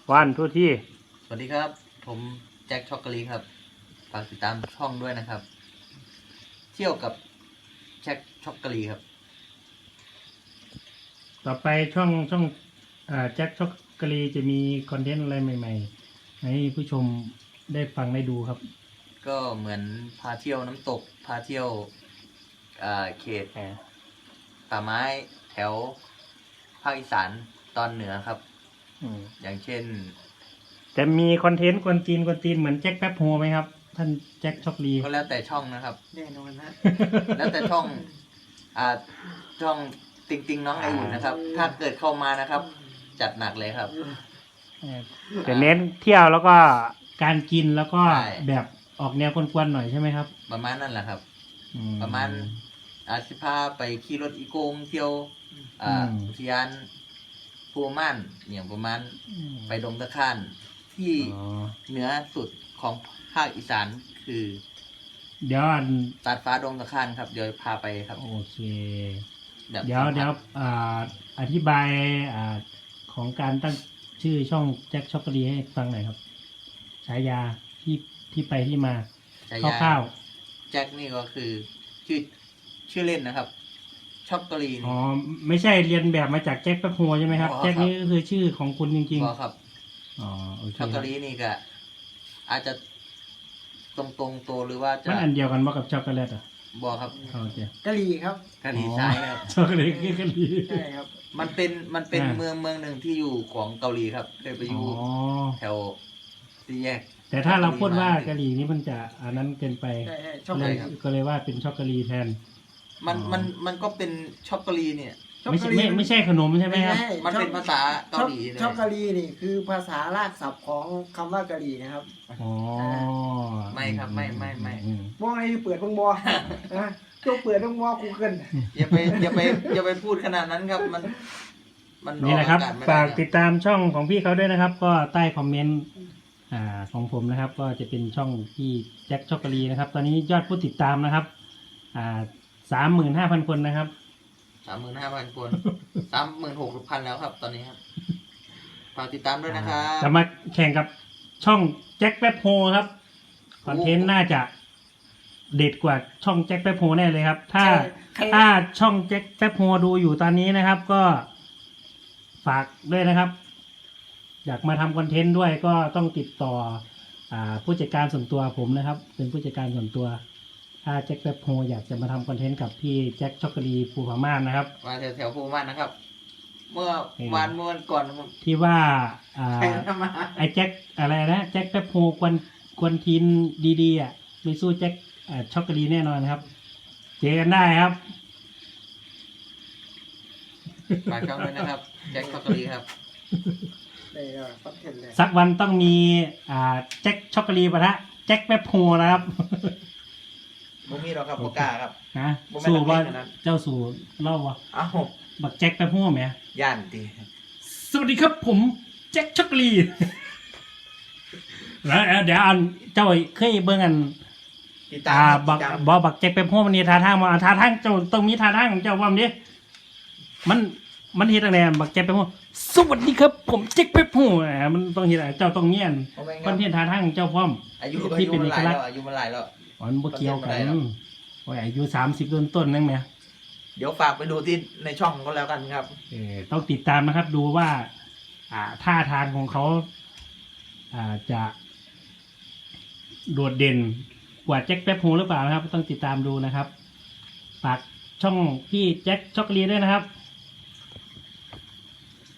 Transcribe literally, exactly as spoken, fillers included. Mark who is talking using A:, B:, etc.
A: วันทุกที่
B: สวัสดีครับ ผมแจ็คช็อกโกแลตครับฝากติดตามช่องด้วยนะครับ เที่ยวกับแจ็คช็อกโกแลตครับ
A: ต่อไปช่องช่องแจ็คช็อกโกแลตจะมีคอนเทนต์อะไรใหม่ๆให้ผู้ชมได้ฟังได้ดูครับ
B: ก็เหมือนพาเที่ยวน้ำตกพาเที่ยวเขตป่าไม้แถวภาคอีสานตอนเหนือครับอย่างเช่น
A: จะมีคอนเทนต์กวนจีนกวนจีนเหมือนแจ็คแป๊บโฮไหมครับท่านแจ็คช็อกโกแลต
B: ก็แล้วแต่ช่องนะครับ
C: แน่นอนนะ
B: แล้วแต่ช่องอ่าช่องติงติงน้องไออุ่นนะครับ ถ้าเกิดเข้ามานะครับ จัดหนักเลยครับ
A: จะเน้นเที่ยวแล้วก็การกินแล้วก็แบบออกแนวกวนๆหน่อยใช่ไหมครับ
B: ประมาณนั่นแหละครับประมาณอาสิพาไปขี่รถอีโกงเที่ยวอ่าอุทยานภูม่านอย่างประมาณไปดงตะข่านที่เหนือสุดของภาคอีสานคือ
A: เดี๋ยว
B: ตัดฟ้าดงตะข่านครับเดี๋ยวพาไปครับ
A: โอเคเดี๋ยวเดี๋ยวอ่าอธิบายอ่าของการตั้งชื่อช่องแจ็คช็อกโกแลตให้ฟังหน่อยครับฉายาที่ที่ไปที่มาคร่าว
B: ๆแจ็คนี่ก็คือชื่อชื่อเล่นนะครับช็อกโกแลต
A: อ๋อไม่ใช่เรียนแบบมาจากแจ็คแป๊บโฮใช่ไหมครับแจ็คนี่ก็คือชื่อของคุณจริง
B: ๆครับ
A: อ๋อโอเค
B: ช็อกโกแลตนี่ก็อาจจะตรงตรงโตหรือว่าจะ
A: มันอันเดียวกันว่ากับช็อกโกแลตอ่ะ
B: บอครับ
A: โอเค
C: กะหรี่ครับ
B: กะหรี่ใช่ครับ
A: ช็อกโกแลตคือกะหรี่
C: ใช่ครับ
B: มันเป็นมันเป็นเมืองเมืองหนึ่งที่อยู่ของเกาหลีครับเคยไปอยู่แถวสี่แยก
A: แต่ถ้าเราพูดว่ากะหรี่นี่มันจะอันนั้นเกินไป
C: เลย
A: ก็เลยว่าเป็นช็อกโกแลตแทน
B: มันมันมันก็เป็นช็อกโกแลตเนี่ย
A: ไม่ใช่ไม่ไม่ใช่ขนมใช่ไหมครับ
B: มันเป็นภาษาเกาหลี
C: ช็อกโกแลตนี่คือภาษารากศัพท์ของคำว่ากะหรี่นะครับ
A: อ๋อ
B: ไม่ครับไม่ไม่ไม่
C: มองอะไรเปิดเพิ่งบอนะตัวเปิดเพิ่งบอกูเกิน
B: อย่าไปอย่าไปอย่าไปพูดขนาดนั้นครับมัน
A: มันนี่แหละครับฝากติดตามช่องของพี่เขาด้วยนะครับก็ใต้คอมเมนต์อ่าของผมนะครับก็จะเป็นช่องพี่แจ็คช็อกโกแลตนะครับตอนนี้ยอดผู้ติดตามนะครับอ่าสามหมื่นห้าพันคนนะครับ
B: สามหมื่นห้าพันคนสามหมื่นหกพันแล้วครับตอนนี้ครับฝากติดตามด้วยนะครับ
A: จะมาแข่งกับช่องแจ็คแป๊บโฮครับคอนเทนต์น่าจะเด็ดกว่าช่องแจ็คแป๊บโฮแน่เลยครับถ้าถ้าช่องแจ็คแป๊บโฮดูอยู่ตอนนี้นะครับก็ฝากด้วยนะครับอยากมาทำคอนเทนต์ด้วยก็ต้องติดต่ออ่าผู้จัดการส่วนตัวผมนะครับเป็นผู้จัดการส่วนตัวถ้าแจ็คแป๊บโฮอยากจะมาทำคอนเทนต์กับพี่แจ็คช็อกโกแลตภูผาม่านนะครับ
B: มาแถวแถวภูผาม่านนะครับเมื่อวานเมื่อวันก่อน
A: ที่ว่าอ่าไอ้แจ็คอะไรนะแจ็คแป๊บโฮกวนกวนทีนดีๆอ่ะไม่สู้แจ็คช็อกโกแลตแน่นอนครับเจอกันได้ครับ
B: ฝากช่องด้วยนะครับแจ็คช็อกโกแลตครับ
A: สักวันต้องมีอ่าแจ็คช็อกโกแลตปะทะแจ็คแป๊บโฮนะครับ
B: บุมีเราครับบุก้าครับ
A: นะสู้ว่าเจ้าสู่เล่าวะ
B: อ้าว
A: บักแจ็คแป๊บโฮไหม
B: ย่านดี
A: สวัสดีครับผมแจ็คช็อกโกแลตแล้วเดี๋ยวอันเจ้าเคยเบิ่งอันอ่าบักบอบักแจ็คแป๊บโฮมันนี่ท่าทางมาท่าทางเจ้าต้องมีท่าทางของเจ้าว่ามันดิมันมันเฮ็ดอะไรบักแจ็คแป๊บโฮสวัสดีครับผมแจ็คแป๊บโฮมันต้องเฮ็ดอะไรเจ้าต้องเงียนคอนเทนต์ท่าทางของเจ้าพร้อม
B: อายุที่เป็นเอกลักษณ์อายุมันหลายแล้ว
A: อ๋อมันบ่เกี่ยวกันโอ้ยอายุสามสิบต้นต้นนั่นไหม
B: เดี๋ยวฝากไปดูที่ในช่องก็แล้วกันครับ
A: เออต้องติดตามนะครับดูว่าอ่าท่าทางของเขาอ่าจะโดดเด่นกว่าแจ็คแป๊บโฮหรือเปล่านะครับต้องติดตามดูนะครับฝากช่องพี่แจ็คช็อกโกแลตด้วยนะครับ